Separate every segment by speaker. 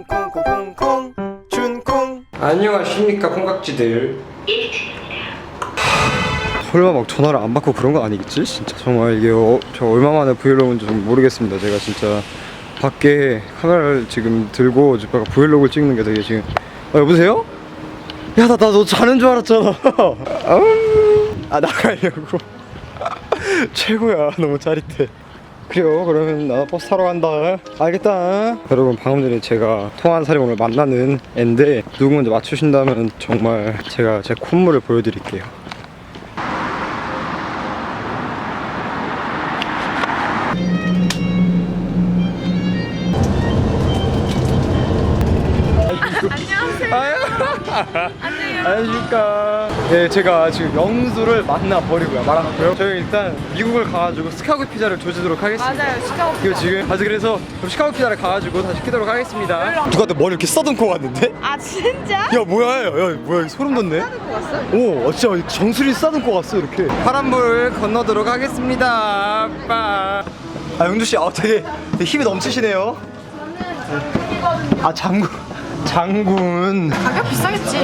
Speaker 1: 콩콩콩콩콩 준콩. 안녕하십니까 콩깍지들. 설마 막 전화를 안 받고 그런 건 아니겠지? 진짜 정말 이게 저 얼마 만에 브이로그인지 좀 모르겠습니다. 제가 진짜 밖에 카메라를 지금 들고 제가 브이로그를 찍는 게 되게 지금 여보세요? 야 나 너 자는 줄 알았잖아. 나가려고. 최고야. 너무 짜릿해. 그래요. 그러면 나 버스 타러 간다. 알겠다. 여러분 방금 전에 제가 통화한 사람이 오늘 만나는 앤데 누구 먼저 맞추신다면 정말 제가 제 콧물을 보여드릴게요. 안녕하십니까. 네, 제가 지금 영수를 만나버리고요. 말아놨고요. 저희 일단 미국을 가가지고 시카고 피자를 조지도록 하겠습니다.
Speaker 2: 맞아요, 시카고 피자.
Speaker 1: 그리고 지금 그래서 시카고 피자를 가가지고 다시 시키도록 하겠습니다. 누구한테 머리 이렇게 써듬고 왔는데?
Speaker 2: 아 진짜?
Speaker 1: 야 뭐야, 뭐야 소름 돋네.
Speaker 2: 싸들고 왔어?
Speaker 1: 오, 진짜 정수리 싸듬고 왔어 이렇게. 파란불 건너도록 하겠습니다. 아빠. 영주 씨, 되게 힘이 넘치시네요. 장군.
Speaker 2: 가격 비싸겠지?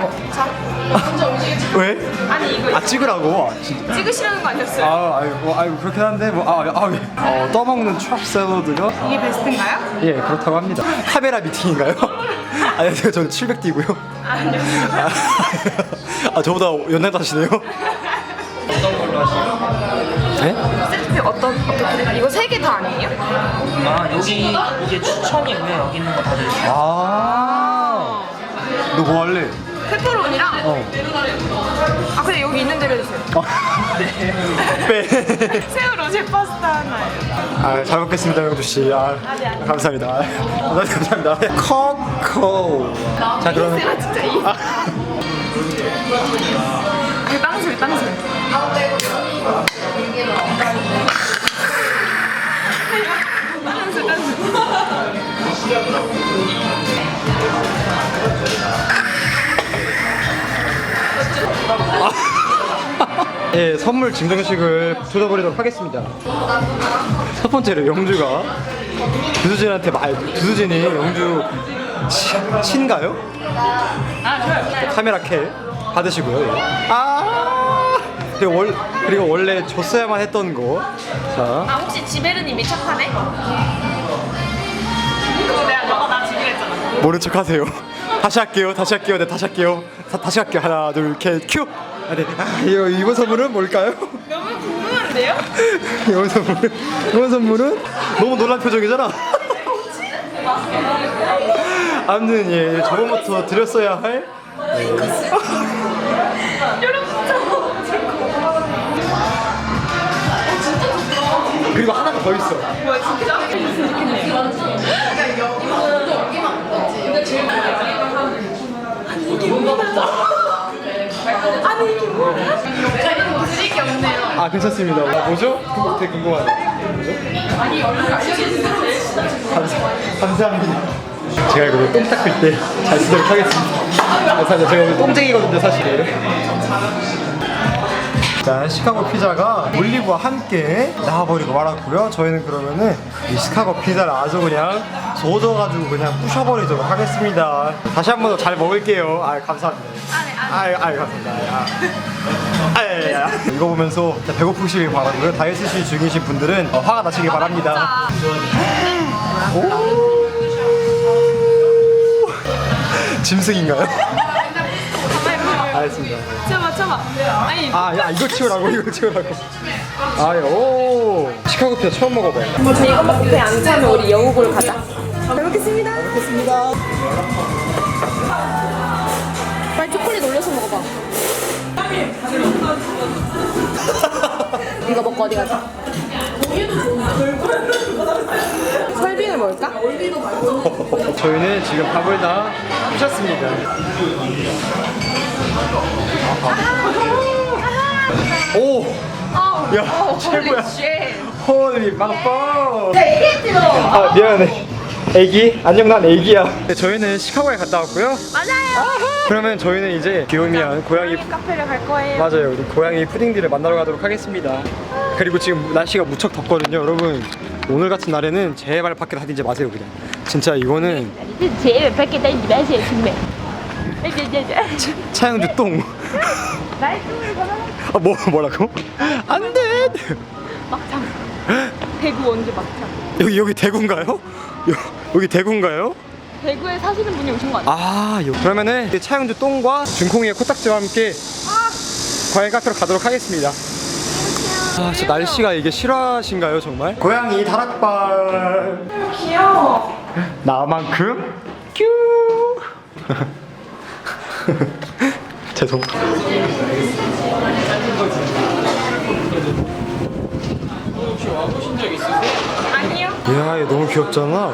Speaker 1: 왜?
Speaker 2: 아니 이거
Speaker 1: 찍으라고.
Speaker 2: 찍으시라는 거 아니었어요?
Speaker 1: 아이고 그렇긴 한데 떠먹는 트랍 샐러드가
Speaker 2: 이게 베스트인가요?
Speaker 1: 예 그렇다고 합니다. 카메라 미팅인가요? 아니 저는 700D고요.
Speaker 2: 아니요.
Speaker 1: 저보다 연장자시네요. 어떤 걸로 하시죠? 네?
Speaker 2: 세트 어떻게? 이거 3개 다 아니에요?
Speaker 3: 여기 이게 추천이고요. 여기 있는 거 다 드릴게요.
Speaker 1: 너 뭐 할래?
Speaker 2: 페퍼로니랑 근데 여기 있는 대로 해주세요.
Speaker 1: 빼.
Speaker 2: 새우 로제 파스타 하나요.
Speaker 1: 잘 먹겠습니다 영주 씨. 감사합니다. 감사합니다. 코코. 자 그러면
Speaker 2: 새우 진짜 빵술.
Speaker 1: 예, 선물 증정식을 쏟아버리도록 하겠습니다. 첫 번째로 영주가 두두진한테 두두진이 영주 친가요? 카메라 캡 받으시고요. 예. 그리고 원래 줬어야만 했던 거. 자.
Speaker 2: 혹시 지베르님이 착하네? 너가 나 지기로 했잖아.
Speaker 1: 모른 척 하세요. 다시 할게요. 네, 다시 할게요. 다시 할게요. 하나, 둘, 셋, 큐! 네. 이번 선물은 뭘까요?
Speaker 2: 너무 궁금한데요?
Speaker 1: 이번 선물은 너무 놀란 표정이잖아. 아무튼 예, 저번부터 드렸어야 할 그리고 하나가 더 있어.
Speaker 2: 뭐야 진짜? 아니 이게 뭐야? 드릴 게 없네요.
Speaker 1: 괜찮습니다. 뭐죠? 되게 궁금하네. 뭐죠? 감사합니다. 제가 이거 똥 닦을 때 잘 쓰도록 하겠습니다. 감사합니다. 제가 오늘 똥쟁이거든요, 사실. 자, 시카고 피자가 올리브와 함께 나와버리고 말았고요. 저희는 그러면은 이 시카고 피자를 아주 그냥 쏟아가지고 그냥 부셔버리도록 하겠습니다. 다시 한 번 더 잘 먹을게요. 감사합니다. 감사합니다. 이거 보면서 배고프시길 바라고요. 다이어트 중이신 분들은 화가 나시길 바랍니다. 짐승인가요? 알겠습니다.
Speaker 2: 참아. 아니
Speaker 1: 이거 치우라고. 오, 시카고 피자 처음 먹어봐요.
Speaker 2: 이거 먹고 배 안 차면 우리 영국으로 가자. 잘 먹겠습니다. 빨리 초콜릿 올려서 먹어봐. 이거 먹고 어디 가자? 설빙을 먹을까?
Speaker 1: 저희는 지금 밥을 다 부셨습니다. 오! 야, 최고야. 홀리 마포. 미안해. 애기? 안녕, 난 애기야. 저희는 시카고에 갔다 왔고요.
Speaker 2: 맞아요.
Speaker 1: 그러면 저희는 이제 귀요미한 고양이
Speaker 2: 카페를 갈 거예요.
Speaker 1: 맞아요. 우리 고양이 푸딩들을 만나러 가도록 하겠습니다. 그리고 지금 날씨가 무척 덥거든요. 여러분 오늘 같은 날에는 제발 밖에 다니지 마세요. 그냥 진짜 이거는
Speaker 4: 是前面拍给带你们写清美。
Speaker 1: 차영주 똥. 아, 뭐라고? 안 돼.
Speaker 2: 막창. 대구 원주 막창.
Speaker 1: 여기 대구인가요? 여기 대구인가요?
Speaker 2: 대구에 사시는 분이 오신 거 아니에요?
Speaker 1: 아, 그러면은 이 차영주 똥과 준콩이의 코딱지와 함께 과일 카페로 가도록 하겠습니다. 아, 진짜 날씨가 이게 실화신가요, 정말? 고양이 다락발.
Speaker 2: 귀여워.
Speaker 1: 나만큼 큐. 죄송.
Speaker 2: 아니요.
Speaker 1: 야, 얘 너무 귀엽잖아.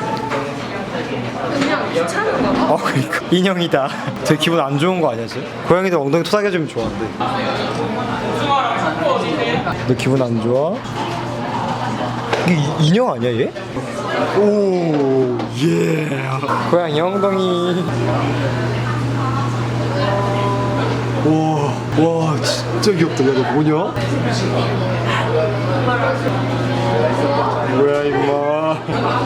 Speaker 2: 그냥 귀찮은가 봐.
Speaker 1: 그러니까 인형이다. 되게 기분 안 좋은 거 아니야, 지금? 고양이들 엉덩이 토닥여주면 좋아한대. 너 기분 안 좋아? 이게 인형 아니야, 얘? 오, 예. 고양이 엉덩이. 와, 진짜 귀엽다. 야, 너 뭐냐? 뭐야, 임마.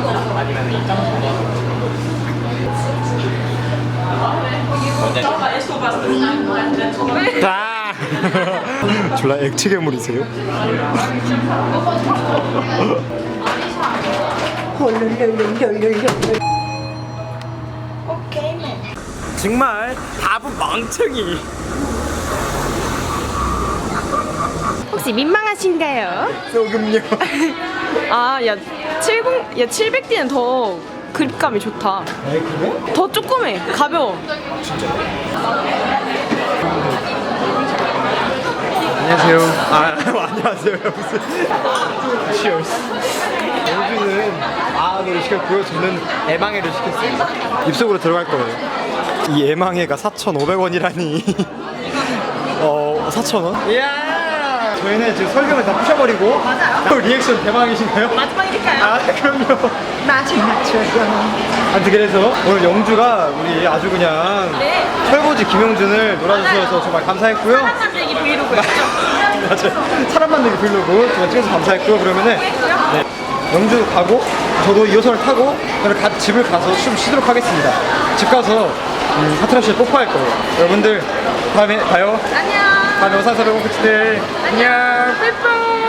Speaker 1: 아! 졸라 액체 괴물이세요? 정말 바보 멍청이.
Speaker 2: 혹시 민망하신가요?
Speaker 1: 소금요.
Speaker 2: 아, 야 700D는 더 그립감이 좋다.
Speaker 1: 그래?
Speaker 2: 더 조그매. 가벼워.
Speaker 1: 안녕하세요. 안녕하세요. 무슨 Cheers. 영주는 아노를 시켰고요. 저는 애망해를 시켰습니다. 입속으로 들어갈 거예요. 이 애망해가 4,500원이라니. 4,000원? 이야! 저희는 지금 설명을 다 부셔버리고. 맞아요. 리액션 대망이신가요?
Speaker 2: 마지막이니까요.
Speaker 1: 그럼요. 맞춰요. 아무튼 그래서 오늘 영주가 우리 아주 그냥
Speaker 2: 네.
Speaker 1: 철거지 김영준을 놀아주셔서 정말 감사했고요.
Speaker 2: 사람 만들기 브이로그였죠.
Speaker 1: 맞아요. 사람 만들기 브이로그 정말 찍어서 감사했고요. 그러면은 네. 영주 가고 저도 2호선을 타고 그럼 집을 가서 좀 쉬도록 하겠습니다. 집 가서 하트라 씨를 뽀뽀할 거예요. 여러분들 다음에 봐요.
Speaker 2: 안녕.
Speaker 1: 다음에 영상에서 뵙고 네 안녕.
Speaker 2: 뽀뽀.